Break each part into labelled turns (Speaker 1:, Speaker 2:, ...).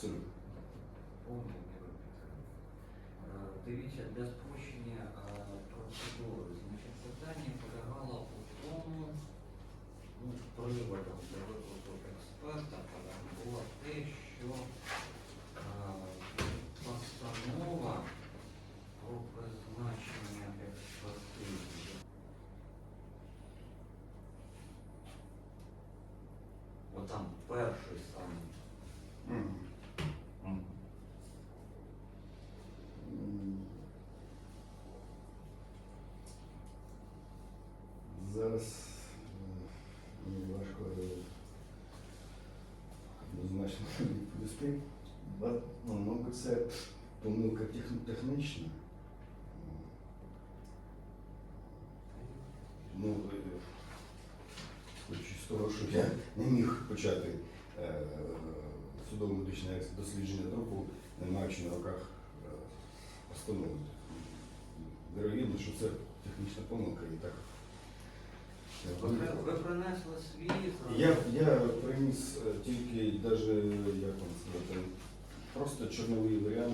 Speaker 1: Абсолютно.
Speaker 2: Повною мірою підтримую. Дивіться, для спрощення процедури, значить, питання полягало у тому, приводом для виклику експерта було те, що постанова про призначення експертизи. Отам перший самий.
Speaker 1: Зараз мені важко однозначно відповісти. Мабуть, це помилка технічна. Хоч з того, що я не міг почати судово-медичне дослідження трупу, не маючи на руках постанови. Вірогідно, що це технічна помилка і так.
Speaker 2: Ви принесли свій?
Speaker 1: Я приніс тільки, як вам сказати, просто чорновий варіант,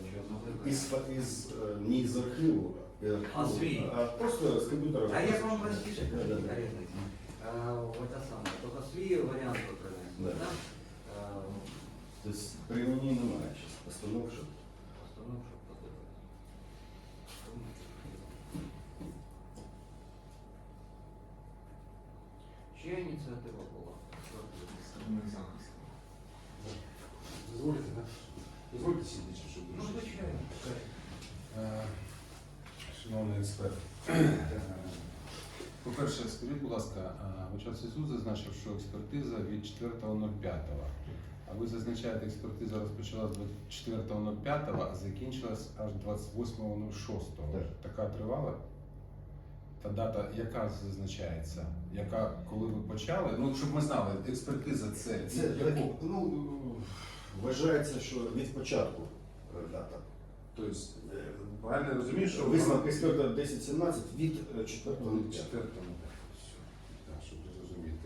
Speaker 1: не з архіву,
Speaker 2: свій?
Speaker 1: а просто з комп'ютера.
Speaker 2: А як вам простіше, оце саме, тобто свій варіант ви принесли, так?
Speaker 1: Тобто при мені немає зараз постанов, щоб
Speaker 2: подивитися. Чия ініціатива була?
Speaker 3: Дозвольте, так? Дозвольте сидіти, щоб
Speaker 2: Ну, звичайно.
Speaker 3: Шановний експерт. По-перше, скажіть, будь ласка, Очевидний суд зазначив, що експертиза від 4.05. А ви зазначаєте, експертиза розпочалась 24.05, а закінчилась аж 28.06. Така тривала? Та дата, яка зазначається? Коли ви почали? Ну, щоб ми знали, експертиза це
Speaker 1: вважається, що від початку дата.
Speaker 3: Тобто, правильно я розумію, що
Speaker 1: висновок експерта 10-17 від 4.05.
Speaker 3: Так, щоб зрозуміти.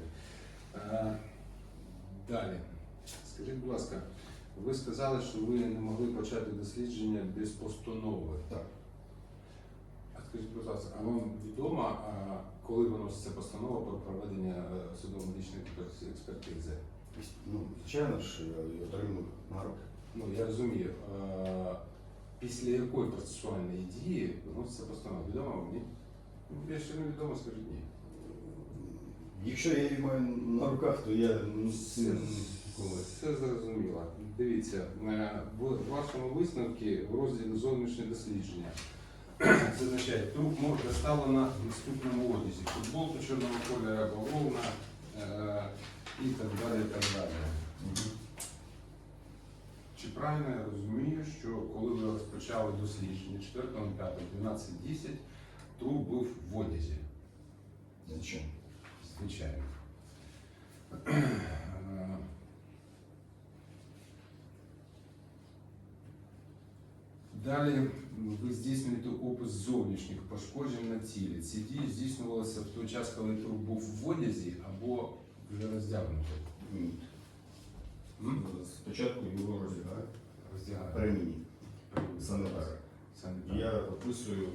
Speaker 3: Далі. Скажіть, будь ласка, ви сказали, що ви не могли почати дослідження без постанови.
Speaker 1: Так.
Speaker 3: А скажіть, будь ласка, а вам відомо, коли виноситься постанова про проведення судово-медичної експертизи?
Speaker 1: Звичайно ж, я її отримав на руки.
Speaker 3: Я розумію. Після якої процесуальної дії виноситься постанова? Відомо вам, ні? Якщо не відомо, скажіть ні.
Speaker 1: Якщо я її маю на руках, то я
Speaker 3: Все зрозуміло. Дивіться, в вашому висновку в розділі зовнішнє дослідження зазначає, труп морг доставлено в наступному одязі. Футболку чорного кольору, бавовна і так далі, і так далі. Чи правильно я розумію, що коли ви розпочали дослідження 4.05.12.10, труп був в одязі?
Speaker 1: Звичайно.
Speaker 3: Звичайно. Далі ви здійснюєте опис зовнішніх пошкоджень на тілі. Ці дії здійснювалися в той час, коли труп був в одязі або вже роздягнутий?
Speaker 1: Ні. Спочатку його роздягають. При мені. Санітар. Я описую,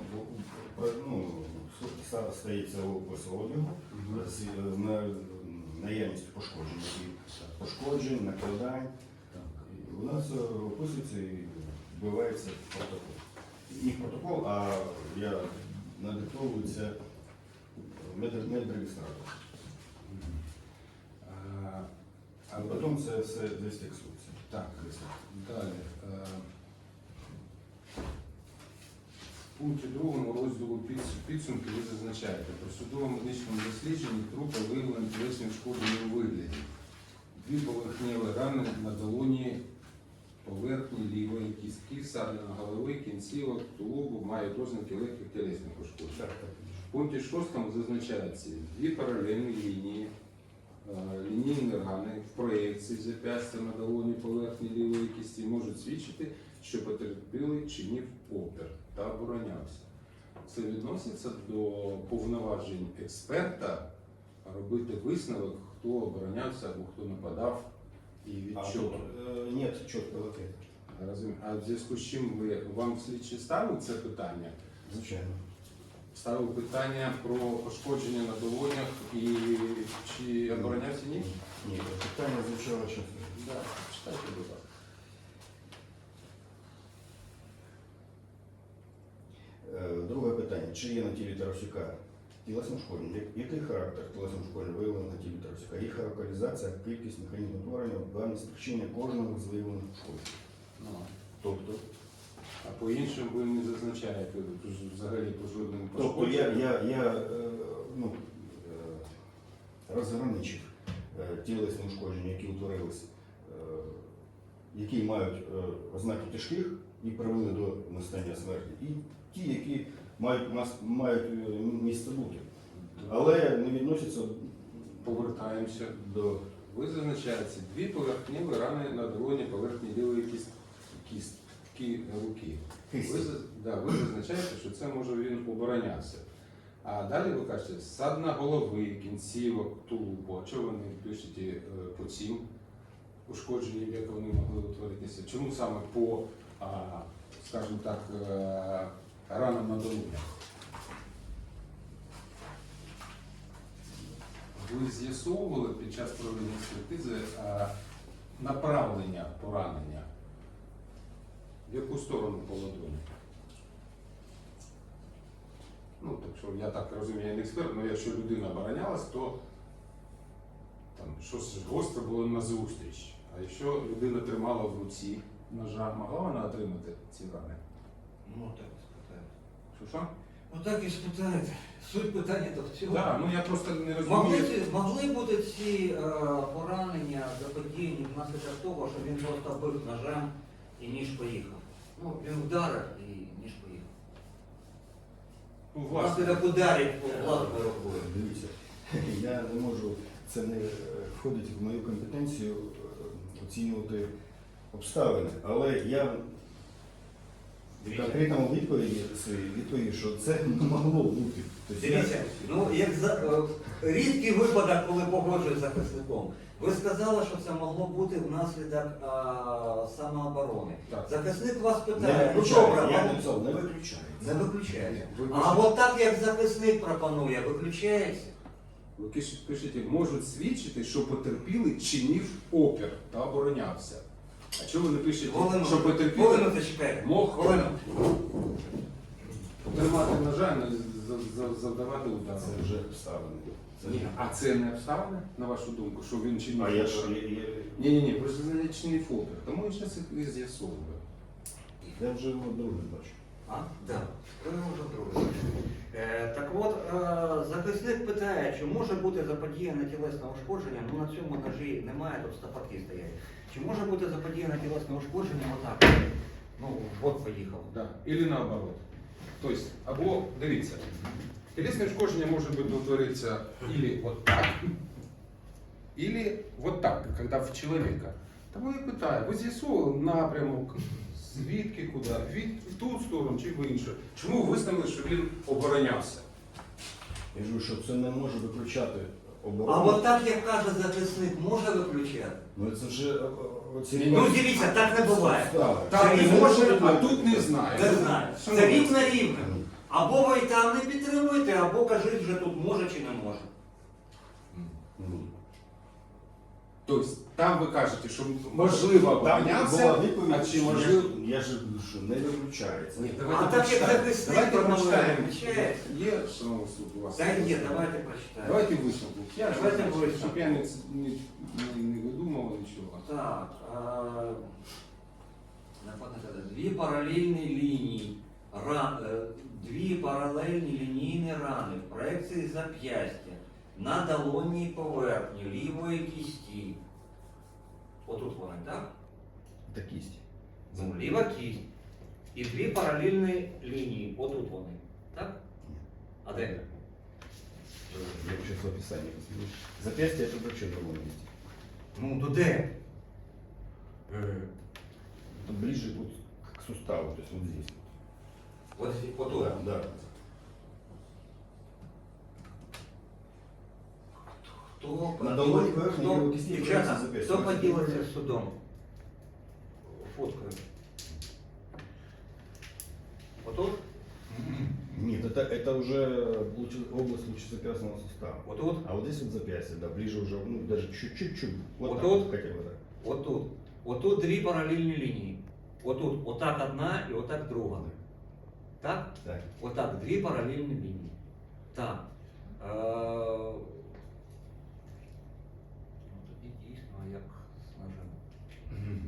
Speaker 1: стається опис одягу з наявністю пошкоджень, накладань. У нас описується і вбивається протокол. Не протокол, а надиктовується медреєстратор. А потім це все десь фіксується.
Speaker 3: Так, далі. В пункті 2 розділу підсумки ви зазначаєте, про судово-медичному дослідженні трупа виявлено тілесні ушкодження у вигляді. 2 поверхневі рани на долоні, поверхні лівої кістки, ссадина голови, кінцівок, тулубу, мають ознаки легких тілесних ушкоджень. В пункті 6 зазначається 2 паралельні лінії, лінійні рани в проєкції зап'ястя на долоні поверхні лівої кісті можуть свідчити, що потерпілий чинив опір та оборонявся. Це відноситься до повноважень експерта робити висновок, хто оборонявся або хто нападав І від
Speaker 1: А
Speaker 3: чого?
Speaker 1: тут нет чіткого ответа.
Speaker 3: Розумію. А в зв'язку з чим вам слідчі ставили це питання?
Speaker 1: Звичайно.
Speaker 3: Ставив питання про пошкодження на долонях і чи оборонявся ні?
Speaker 1: Ні, питання звучало чесно.
Speaker 3: Так, читайте, будь ласка.
Speaker 1: Друге питання. Чи є на тілі Тарасюка тілесне ушкодження? Який характер тілесного ушкодження виявлено на тілі Тарасюка? Їх локалізація, кількість, механізм утворення, дані спричинення кожного з виявлених ушкоджень.
Speaker 3: Ну,
Speaker 1: Тобто,
Speaker 3: а по іншим ви не зазначаєте взагалі по жодним
Speaker 1: тобто
Speaker 3: пошкодженням?
Speaker 1: я розграничив тілесні ушкодження, які утворились, які мають ознаки тяжких і привели до настання смерті, і ті, які мають місце бути. Але не відносяться
Speaker 3: Повертаємося.
Speaker 1: до
Speaker 3: Ви зазначаєте дві поверхневі рани на долоні поверхні лівої кістки руки.
Speaker 1: кисті.
Speaker 3: Ви зазначаєте, що це може він оборонявся. А далі ви кажете, ссадина голови, кінцівок, тулубу. А чого ви не пишете по цим ушкодженням, як вони могли утворитися? Чому саме по, скажімо так, ранам на долонях? Ви з'ясовували під час проведення експертизи направлення поранення? В яку сторону по ладоні? Ну, так що я так розумію, я не експерт, але якщо людина оборонялась, то там щось гостре було назустріч. А якщо людина тримала в руці ножа, могла вона отримати ці рани?
Speaker 2: Ну так і спитаєте.
Speaker 3: Що?
Speaker 2: Ну так і спитаєте. Суть питання то в цьому.
Speaker 3: Так, ну я просто не розумію.
Speaker 2: Могли бути ці поранення заподіяні внаслідок того, що він просто бив ножем і ніж поїхав. Ну, він вдарив і ніж поїхав.
Speaker 3: Ну, власне,
Speaker 2: Внаслідок ударів власною рукою.
Speaker 1: Дивіться, я не можу, це не входить в мою компетенцію оцінювати обставини, але я в конкретному відповіді, що це не могло бути. Тобто
Speaker 2: Дивіться, ну як рідкий випадок, коли погоджують з захисником. Ви сказали, що це могло бути внаслідок самооборони.
Speaker 3: Так.
Speaker 2: Захисник вас
Speaker 1: не
Speaker 2: питає, ну
Speaker 1: виключаю,
Speaker 2: добре,
Speaker 1: я
Speaker 2: вам-
Speaker 1: написав, не виключається.
Speaker 2: не виключається.
Speaker 3: Ви
Speaker 2: А от так, як захисник пропонує, виключається.
Speaker 3: Ви пишете, можуть свідчити, що потерпілий чинив опір та оборонявся. А чого ви не пишете, що потерпілий
Speaker 2: Хвилину зачекайте.
Speaker 3: мог
Speaker 2: Хвилину.
Speaker 3: тримати ножа і завдавати удар?
Speaker 1: Це вже обставини. Це
Speaker 3: Ні, а це не обставини, на вашу думку, що він чинив
Speaker 1: А я
Speaker 3: опір?
Speaker 1: ж
Speaker 3: Ні, просто не чинив опір. Тому я зараз їх з'ясовую.
Speaker 1: я вже його друге бачу.
Speaker 2: А? Так. Ви вже друге. Так от, захисник питає, чи може бути заподіяне тілесне ушкодження, ну на цьому ножі немає, тут стопаки стоять. Чи може бути заподіяне тілесне ушкодження отак? Ну, от поїхав.
Speaker 3: Да. Или наоборот. Тобто, або, дивіться, тілесне ушкодження може бути утворитися или вот так, или вот так, когда в человека. Тому я питаю, ви з'ясували напрямок, звідки, куди, в ту сторону чи в іншу? Чому ви визнали, що він оборонявся?
Speaker 1: Я кажу, що це не може виключати
Speaker 2: А
Speaker 1: оборону.
Speaker 2: от так, як каже захисник, може виключати?
Speaker 1: Ну це вже оці...
Speaker 2: Ну дивіться, так не буває.
Speaker 3: Так
Speaker 2: Це
Speaker 3: не
Speaker 2: не
Speaker 3: може,
Speaker 2: може
Speaker 3: а
Speaker 2: бути.
Speaker 3: тут не знаю.
Speaker 2: Не знаю. Це рівно рівно. Або ви там не підтримуєте, або кажіть вже тут може чи не може.
Speaker 3: Тобто, там ви кажете, що можливо
Speaker 1: Там була
Speaker 3: оборонявся,
Speaker 1: відповідь,
Speaker 3: а чи можливо...
Speaker 1: я ж що не виключається.
Speaker 3: Ні,
Speaker 2: А
Speaker 3: давайте
Speaker 2: так як
Speaker 3: прочитаємо.
Speaker 2: захисник
Speaker 3: Давайте
Speaker 2: пропонує,
Speaker 3: прочитаємо.
Speaker 2: виключається.
Speaker 3: Є, шановний суд, у вас?
Speaker 2: Та є, давайте прочитаємо.
Speaker 3: Давайте висновку.
Speaker 2: Давайте висновок.
Speaker 3: Щоб я не видумував нічого.
Speaker 2: Так, дві паралельні лінії, дві паралельні лінійні рани в проекції зап'ястя на долонній поверхні лівої кісті. Отут вони, так?
Speaker 1: Це кість.
Speaker 2: Ну, ліва кість. І дві паралельні лінії. Отут вони. Так? А де?
Speaker 1: Я сейчас в описании посмотрю. Запястье это вообще в другом месте.
Speaker 2: Ну, то де?
Speaker 1: Тут ближе вот к суставу, то есть вот здесь.
Speaker 2: От, отут.
Speaker 1: Да.
Speaker 2: Хто
Speaker 1: На долоні поверхні є окисні
Speaker 2: Дівчата,
Speaker 1: записи.
Speaker 2: хто поділиться з судом? Фоткою. Отут?
Speaker 1: Нет, это уже область лучезапястного сустава.
Speaker 2: Отут?
Speaker 1: А вот здесь вот запястье, да, ближе уже, ну, даже чуть-чуть. Вот,
Speaker 2: Вот
Speaker 1: так
Speaker 2: тут?
Speaker 1: вот, хотя бы так.
Speaker 2: Отут. Отут дві паралельні лінії. Отут. Отак одна і отак друга. Так?
Speaker 1: Так.
Speaker 2: Отак, дві паралельні лінії. Так. Ну, тоді дійсно, як з ножем.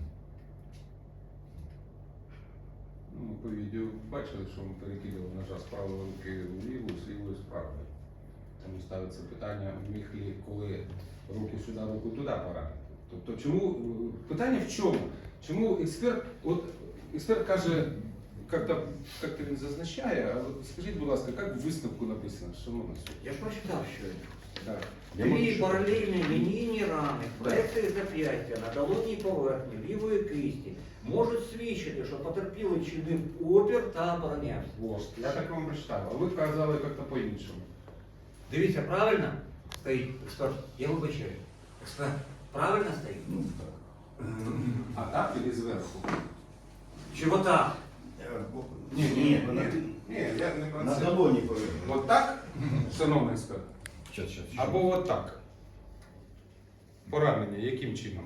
Speaker 3: Ну, по відео бачили, що ми перекидали ножа з правої руки в ліву, з лівої з правої. Тому ставиться питання, міг ли коли руку сюди, руку туди поранити. Тобто чому, питання в чому? Чому експерт каже, як він зазначає, а от скажіть, будь ласка, як в висновку написано, шановна суд?
Speaker 2: Я ж прочитав щойно.
Speaker 3: Так.
Speaker 2: Дві паралельні лінійні рани, проекції зап'ястя на долонній поверхні лівої кисті можуть свідчити, що потерпілий чинив опір та оборонявся.
Speaker 3: Вот. Я так вам прочитав, а ви казали як-то по-іншому.
Speaker 2: Дивіться, правильно стоїть експерт? Я вибачаю. Експерт, правильно стоїть?
Speaker 1: Ну, так.
Speaker 3: А так или зверху?
Speaker 2: Чи отак?
Speaker 1: Ні,
Speaker 3: я не про
Speaker 1: на
Speaker 3: це.
Speaker 1: долоні поверхні.
Speaker 3: От так, шановний експерт?
Speaker 1: Сейчас.
Speaker 3: Або от так. Поранення яким чином?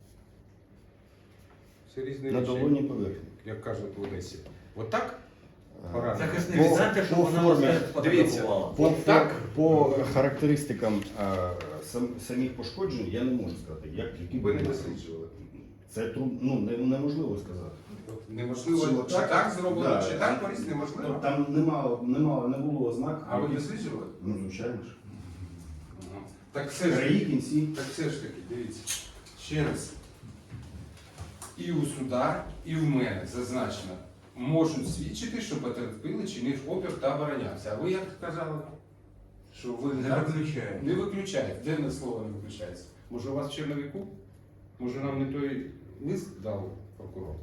Speaker 3: Це різні
Speaker 1: На
Speaker 3: речі,
Speaker 1: долоні поверхні.
Speaker 3: як кажуть в Одесі. От так? Поранення.
Speaker 2: Захисник, знаєте, що
Speaker 1: по
Speaker 2: вона
Speaker 1: формі,
Speaker 2: вас
Speaker 3: дивіться,
Speaker 2: сфотографувала?
Speaker 1: По характеристикам самих пошкоджень я не можу сказати, які
Speaker 3: Ви не
Speaker 1: були.
Speaker 3: досліджували.
Speaker 1: Це неможливо сказати.
Speaker 3: Неможливо,
Speaker 1: Чи
Speaker 3: чи так зроблено,
Speaker 1: да.
Speaker 3: чи так поріз неможливо.
Speaker 1: Там не було ознак.
Speaker 3: А ви досліджували?
Speaker 1: Ну, звичайно ж.
Speaker 3: Так все ж
Speaker 1: Краї, кінці.
Speaker 3: Так все ж таки, дивіться, ще раз. І у суда, і в мене зазначено, можуть свідчити, що потерпілий чинив опір та оборонявся. А ви як сказали? Що ви
Speaker 2: Не виключаю.
Speaker 3: Не виключаєте. Де на слово не виключається? Може у вас в черновику? Може нам не той лист дав прокурор?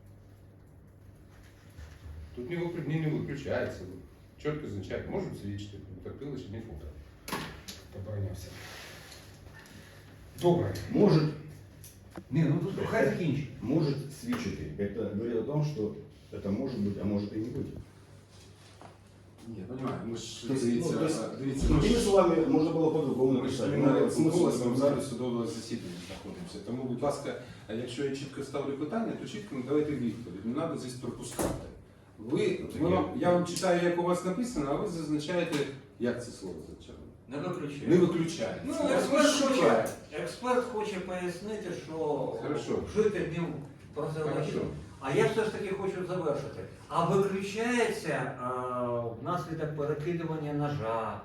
Speaker 3: Тут не виключається. Чітко означає, можуть свідчити, потерпілий чинив опір. Оборонявся. Добре.
Speaker 1: Может,
Speaker 2: Ні, ну тут хай закінчить.
Speaker 1: может свідчити. Это говорит о том, что это может быть, а может и не быть.
Speaker 3: Ні, я розумію, ми ж
Speaker 1: То есть,
Speaker 3: дивіться,
Speaker 1: ну, то есть,
Speaker 3: дивіться,
Speaker 1: Другими словами, можна було по-другому
Speaker 3: ми ж
Speaker 1: написати.
Speaker 3: не
Speaker 1: Ну, смисл
Speaker 3: в залі судового засідання знаходимося. Тому, будь ласка, якщо я чітко ставлю питання, то чітко надавайте відповідь. Не треба здесь пропускати. Я вам читаю, як у вас написано, а ви зазначаєте, як це слово зазначає.
Speaker 2: Не виключаю.
Speaker 3: Не виключає.
Speaker 2: Ну,
Speaker 3: Шукає.
Speaker 2: експерт хоче пояснити, що
Speaker 3: Хорошо.
Speaker 2: жити днем прозеологічно.
Speaker 3: Хорошо.
Speaker 2: А я все ж таки хочу завершити. А виключається внаслідок перекидування ножа,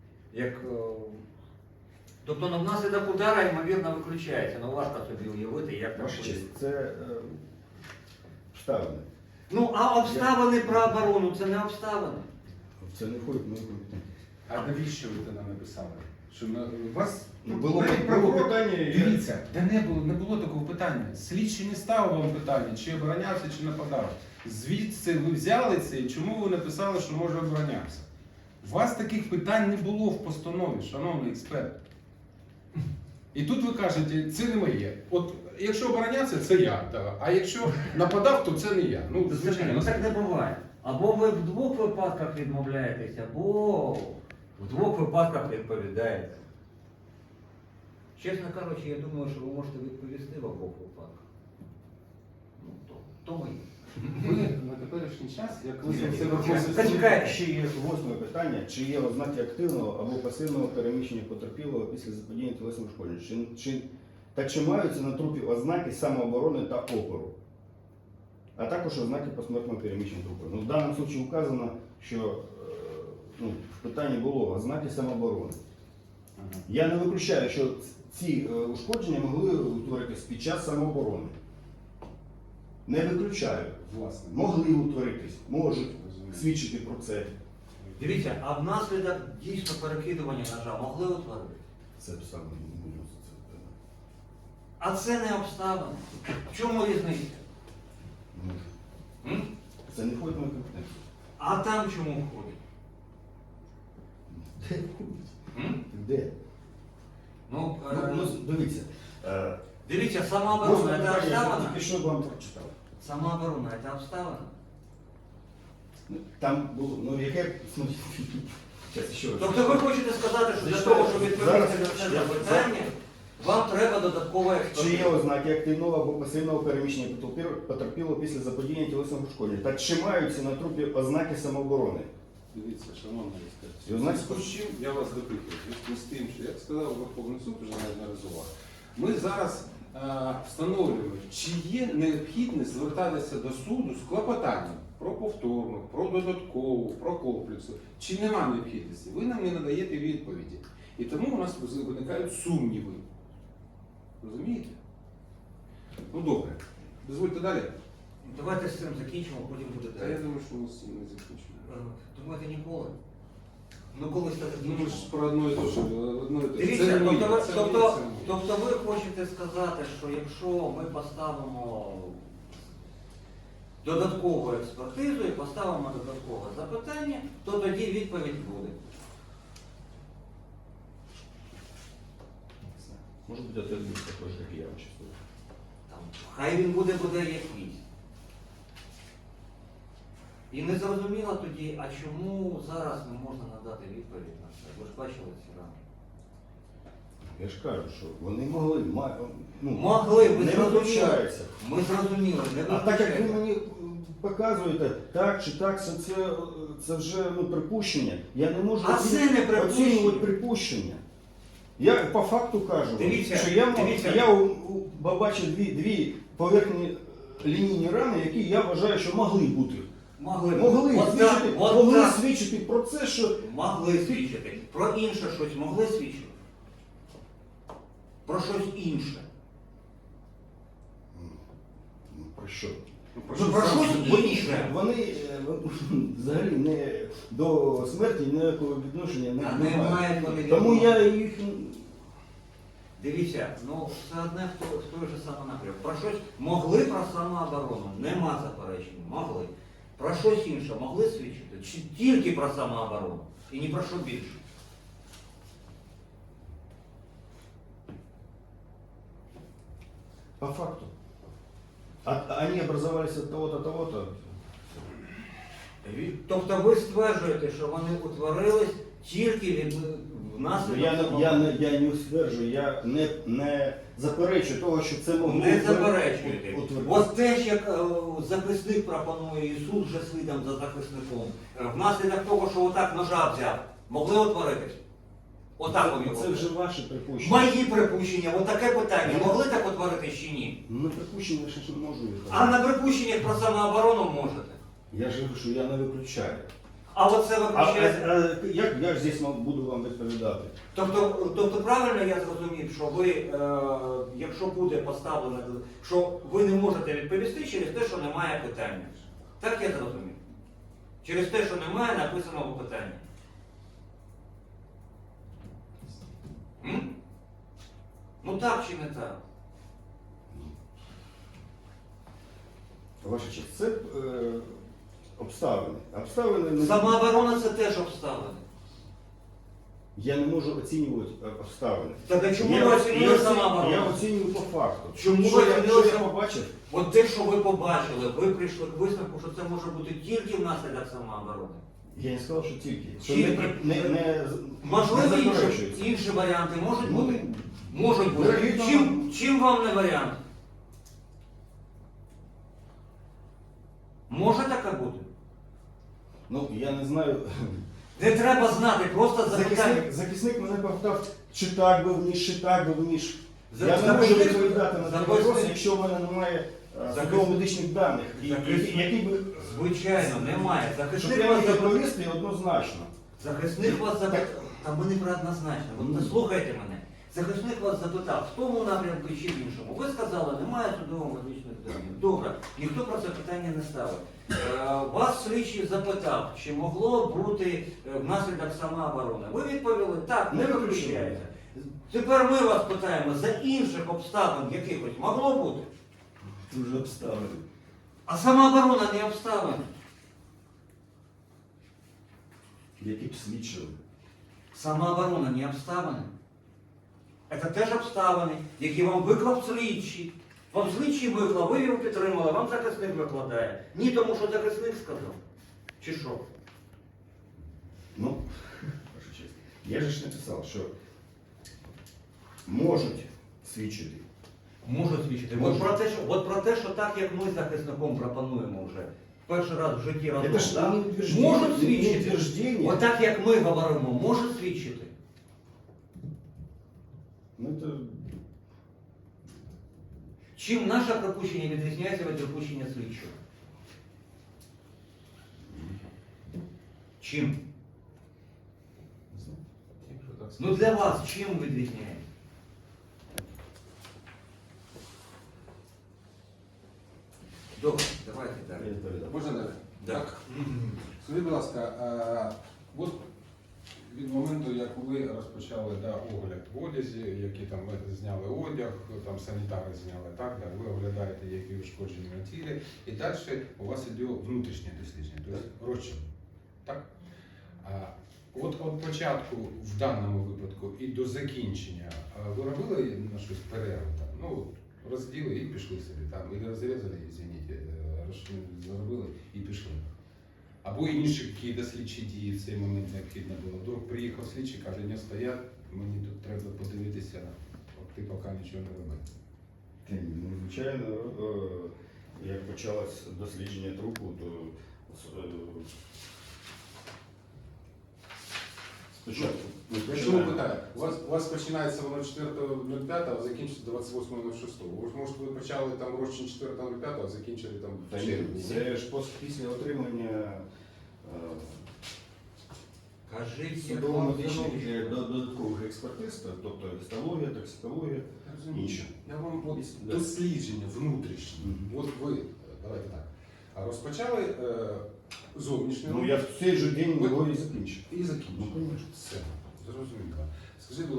Speaker 2: тобто внаслідок удара, ймовірно, виключається. Ну важко собі уявити, як так
Speaker 1: Ваша
Speaker 2: буде.
Speaker 1: честь, це обставини.
Speaker 2: Ну, а обставини про оборону це не обставини.
Speaker 1: Це не входить в мою компетенцію.
Speaker 3: А навіщо ви це нам написали? Що у вас
Speaker 1: Було
Speaker 3: навіть
Speaker 1: було питання,
Speaker 3: Дивіться, де не було такого питання. Слідчий не ставив вам питання, чи оборонявся, чи нападав. Звідси ви взяли це і чому ви написали, що може оборонявся? У вас таких питань не було в постанові, шановний експерт. І тут ви кажете, це не моє. От якщо оборонявся, це я. Да. А якщо нападав, то це не я. Ну, звичайно.
Speaker 2: Ну так не буває. Або ви в двох випадках відмовляєтесь, або в двох випадках відповідаєте. Чесно кажучи, я думаю, що ви можете відповісти в обох випадках. Ну, то моє.
Speaker 3: Ви на теперішній час, як ви це
Speaker 2: Зачекайте.
Speaker 1: Ще є восьме питання. Чи є ознаки активного або пасивного переміщення потерпілого після заподіяння тілесних ушкоджень? Чи маються на трупі ознаки самооборони та опору? А також ознаки посмертного переміщення трупу. Ну, в даному випадку вказано, що в питанні було ознаки самооборони. Я не виключаю, що ці ушкодження могли утворитись під час самооборони. Не виключаю.
Speaker 3: власне.
Speaker 1: Могли утворитись, можуть свідчити про це.
Speaker 2: Дивіться, а внаслідок дійсно перекидування ножа могли утворити?
Speaker 1: Це саме не буду за це питання.
Speaker 2: А це не обставини. В чому різниця?
Speaker 1: Може.
Speaker 2: М?
Speaker 1: Це не входить в мою компетенцію.
Speaker 2: А там чому входить?
Speaker 1: Де входить?
Speaker 2: М?
Speaker 1: Де?
Speaker 2: Ну,
Speaker 1: Ну, дивіться.
Speaker 2: дивіться, самооборона – це
Speaker 1: Я
Speaker 2: обставина?
Speaker 1: тільки що вам прочитав.
Speaker 2: Самооборона – це обставина?
Speaker 1: Там було, ну яке, ну, зараз ще раз.
Speaker 2: Тобто ви хочете сказати, що для
Speaker 1: Зачитаю.
Speaker 2: того, щоб відповісти
Speaker 1: Зараз
Speaker 2: на це
Speaker 1: я-
Speaker 2: запитання, вам треба додаткова
Speaker 1: Чи є
Speaker 2: експертиза?
Speaker 1: ознаки активного або пасивного переміщення потерпілого після заподіяння тілесного ушкодження? Та чи маються на трупі ознаки самооборони?
Speaker 3: Дивіться, шановна експерт.
Speaker 1: І ознаки
Speaker 3: З чим я вас допитую? Зв'язку з тим, що як сказав Верховний суд вже неодноразово, ми зараз встановлюємо, чи є необхідність звертатися до суду з клопотанням про повторну, про додаткову, про комплексу. Чи нема необхідності? Ви нам не надаєте відповіді. І тому у нас виникають сумніви. Розумієте? Ну добре. Дозвольте далі.
Speaker 2: Давайте з цим закінчимо, потім буде
Speaker 3: Та я
Speaker 2: далі.
Speaker 3: думаю, що ми з цим не закінчимо.
Speaker 2: Думаєте, ніколи? Ну колись так
Speaker 3: Ну, ми
Speaker 2: закінчимо.
Speaker 3: ж про одно і те, що одно і те.
Speaker 2: Дивіться,
Speaker 3: Це не моє,
Speaker 2: тобто,
Speaker 3: це
Speaker 2: тобто,
Speaker 3: моє, це моє.
Speaker 2: тобто ви хочете сказати, що якщо ми поставимо додаткову експертизу і поставимо додаткове запитання, то тоді відповідь буде.
Speaker 1: Може бути, ответ буде такий, як я вам чувствую.
Speaker 2: Там, хай він буде якийсь. І не зрозуміло тоді, а чому зараз не можна надати відповідь на це? Ви ж бачили ці рани.
Speaker 1: Я ж кажу, що вони могли, ну,
Speaker 2: Могли, ви
Speaker 1: не
Speaker 2: зрозуміли.
Speaker 1: виключається.
Speaker 2: Ми зрозуміли, не
Speaker 1: А так як ви
Speaker 2: виключаємо.
Speaker 1: мені показуєте, так чи так, це вже ну, припущення. Я не можу
Speaker 2: А це не припущення.
Speaker 1: оцінювати припущення. Я по факту кажу,
Speaker 2: Дивіться,
Speaker 1: що я
Speaker 2: дивіться.
Speaker 1: побачив дві поверхні лінійні рани, які я вважаю, що могли бути.
Speaker 2: Могли
Speaker 1: Могли, свідчити, могли свідчити про це, що
Speaker 2: Могли свідчити. Про інше щось могли свідчити? Про щось інше.
Speaker 1: ну, про що?
Speaker 3: Ну,
Speaker 2: Ну, про
Speaker 3: сам
Speaker 2: щось
Speaker 3: собі.
Speaker 2: інше.
Speaker 1: Вони взагалі не до смерті ніякого відношення
Speaker 2: А
Speaker 1: не
Speaker 2: не
Speaker 1: мають.
Speaker 2: мають вони
Speaker 1: Тому
Speaker 2: відношення.
Speaker 1: я їх
Speaker 2: Дивіться, ну все одне в той же самий напрямок. Про щось могли про самооборону, нема заперечень, могли. Про щось інше могли свідчити? Чи тільки про самооборону? І ні про що більше?
Speaker 1: по факту. Они образовались от того-то, того-то.
Speaker 2: Тобто ви стверджуєте, що вони утворились тільки від внаслідок самооборони?
Speaker 1: Я не стверджую, я не заперечую того, що це могло
Speaker 2: Не заперечуєте.
Speaker 1: утворитися.
Speaker 2: Ось те ж, як захисник пропонує і суд вже слідом за захисником. Внаслідок того, що отак ножа взяв, могли утворитись? Отак вони
Speaker 1: Це вже ваші припущення.
Speaker 2: Мої припущення, отаке питання, могли так утворитись чи ні?
Speaker 1: Ну, на припущення я ще ж не можу їх.
Speaker 2: А на припущеннях про самооборону можете.
Speaker 1: Я ж говорю, що я не виключаю.
Speaker 2: А оце виключається.
Speaker 1: Як я ж здесь буду вам відповідати?
Speaker 2: Тобто правильно я зрозумів, що ви, якщо буде поставлено, що ви не можете відповісти через те, що немає питання. Так я зрозумів. Через те, що немає написаного питання. М? Ну так чи не так?
Speaker 1: Ваша честь, це обставини. Обставини не...
Speaker 2: Самооборона це теж обставини.
Speaker 1: Я не можу оцінювати обставини.
Speaker 2: Так а чому ви оцінили
Speaker 1: Я
Speaker 2: самооборону?
Speaker 1: оцінюю по факту.
Speaker 2: Чому
Speaker 1: Що
Speaker 2: ви
Speaker 1: я
Speaker 2: оцінили
Speaker 1: побачив?
Speaker 2: От те, що ви побачили, ви прийшли к висновку, що це може бути тільки внаслідок самооборони.
Speaker 1: Я не сказав, що тільки. Що
Speaker 2: Тільки.
Speaker 1: не
Speaker 2: Можливо,
Speaker 1: заперечується.
Speaker 2: інші варіанти можуть
Speaker 1: Ну,
Speaker 2: бути? Можуть бути.
Speaker 1: вірогідно.
Speaker 2: Чим вам не варіант? Може таке бути?
Speaker 1: Ну, я не знаю.
Speaker 2: Не треба знати, просто запитання.
Speaker 1: Захисник мене повтав, чи так був ніж, чи так був ніж.
Speaker 2: За-
Speaker 1: Я не можу
Speaker 2: захисник-
Speaker 1: відповідати на цей
Speaker 2: захисник-
Speaker 1: вопрос, якщо в мене немає
Speaker 2: Захисник-
Speaker 1: судово-медичних даних,
Speaker 2: захисник-
Speaker 1: які би,
Speaker 2: Звичайно, немає.
Speaker 1: щоб
Speaker 2: Захисник
Speaker 1: я
Speaker 2: вас
Speaker 1: міг
Speaker 2: запитав.
Speaker 1: відповісти однозначно.
Speaker 2: Захисник вас запитав. Та ми не про однозначно. От
Speaker 1: Ну.
Speaker 2: слухайте мене. Захисник вас запитав, в тому напрямку чи в іншому. Ви сказали, немає судово-медичних даних. Добре, ніхто про це питання не ставив. Вас слідчий запитав, чи могло бути внаслідок самооборони. Ви відповіли, так, не
Speaker 1: Не
Speaker 2: виключається. Тепер ми вас питаємо, за інших обставин якихось могло бути?
Speaker 1: Дуже обставини.
Speaker 2: А самооборона не обставин.
Speaker 1: Які б свідчили.
Speaker 2: Самооборона не обставини. Це теж обставини, які вам виклав слідчий. Вам слідчий виклав, ви його підтримали, вам захисник викладає. Ні, тому що захисник сказав. Чи що?
Speaker 1: Ну, ваша честь, я же ж написав, що можуть свідчити.
Speaker 2: Можу свідчити. От про те, що так, як ми з захисником пропонуємо вже. Перший раз в житті разом.
Speaker 1: Это ж
Speaker 2: да?
Speaker 1: не утверждение,
Speaker 2: Можуть
Speaker 1: не
Speaker 2: свідчити.
Speaker 1: утверждение.
Speaker 2: От так, як ми говоримо, можуть свідчити.
Speaker 1: Ну, это...
Speaker 2: Чим наше припущення відрізняється від припущення слідчого? Чим?
Speaker 3: Якщо так
Speaker 2: Ну для вас чим відрізняється? Добре, давайте
Speaker 1: Я
Speaker 2: далі.
Speaker 1: відповідав.
Speaker 3: Можна далі?
Speaker 2: Так.
Speaker 3: Скажіть, будь ласка, от від моменту, як ви розпочали огляд в одязі, які там ви зняли одяг, там санітари зняли, так, ви оглядаєте, які ушкоджені на тілі, і далі у вас іде внутрішнє дослідження, тобто розчин. Так? От початку в даному випадку і до закінчення ви робили на щось перерву? Там? Ну, розділи і пішли собі, там, і розрізали, извините, зробили і пішли. Або інші якісь слідчі дії в цей момент необхідно було. Вдруг приїхав слідчий, каже, не стоять, мені тут треба подивитися, от ти поки нічого не роби.
Speaker 1: Ну, звичайно, як почалось дослідження трупу, то спочатку ми
Speaker 3: Якщо ви
Speaker 1: починаємо-
Speaker 3: питаєте, у вас починається воно 4.05, а закінчиться 28.06. Може ви почали там розчин 4.05, а закінчили там
Speaker 1: Та
Speaker 3: в
Speaker 1: ні,
Speaker 3: червні?
Speaker 1: це ж після отримання
Speaker 2: Кажіть,
Speaker 1: судово-медичних додаткових експертиз, тобто гістологія, токсикологія.
Speaker 3: Я розумію.
Speaker 1: Інше.
Speaker 3: Я вам от
Speaker 1: Да.
Speaker 3: дослідження внутрішнє.
Speaker 1: Мгм.
Speaker 3: От ви, давайте так, розпочали зовнішнє
Speaker 1: Ну я в цей же день
Speaker 3: Ви-
Speaker 1: його і закінчив.
Speaker 3: і закінчили.
Speaker 1: Ну, конечно.
Speaker 3: Все, зрозуміло. Скажіть, будь